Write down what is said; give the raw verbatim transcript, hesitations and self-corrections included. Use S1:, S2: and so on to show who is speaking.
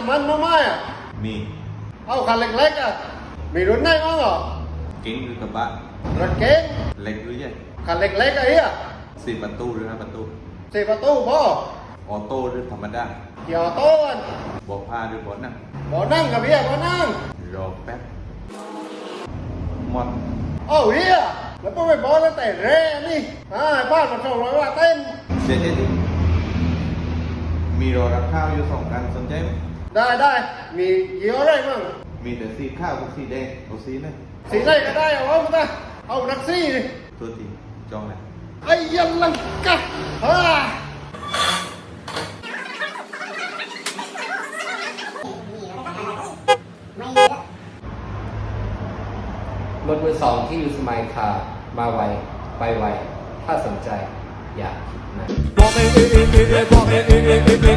S1: ำมันมาไหมอ่ะ
S2: มี
S1: เอาคันเล็กๆอ่ะมีรุ่นไหนบ้างเหรอ
S2: เก๋งหรือกระบะ
S1: รถเก๋ง
S2: เล็กหรือใหญ่
S1: คันเล็กๆไอ้เหี้ย
S2: สี่ประตูหรือห้าประตู
S1: สี่ประตูพ่อ
S2: ออโต้หรือธรรมดา
S1: เกี่ยวโต้น
S2: เบอกผ้าหรือเบอกนั่ง
S1: บ่นั่งกับเหี้ยบ่นั่ง
S2: รอแป๊บหมด
S1: เอ้าเหี้ยแล้วก็ไม่บอกแล้วแต่แร่นี่อ่าบ้านมันสองร้อยว่าเต้น
S2: เดี๋ยวเดี๋ยวมีรอรับข้าวอยู่สองกันสนใจไหม
S1: ได้ได้มีเกี่ยวอะไรมั่ง
S2: มีแต่สีข้าวกับสีแดงเอาสีไหม
S1: สีไหนก็ได้เอาเอามาได้เอานักซี่ดิ
S2: ตัวทีจองเลย
S1: ไอ้ยันลังกะฮ่าร
S3: ถมือสองที่ยูสมายคาร์มาไวไปไวถ้าสนใจอย่าคิดนะ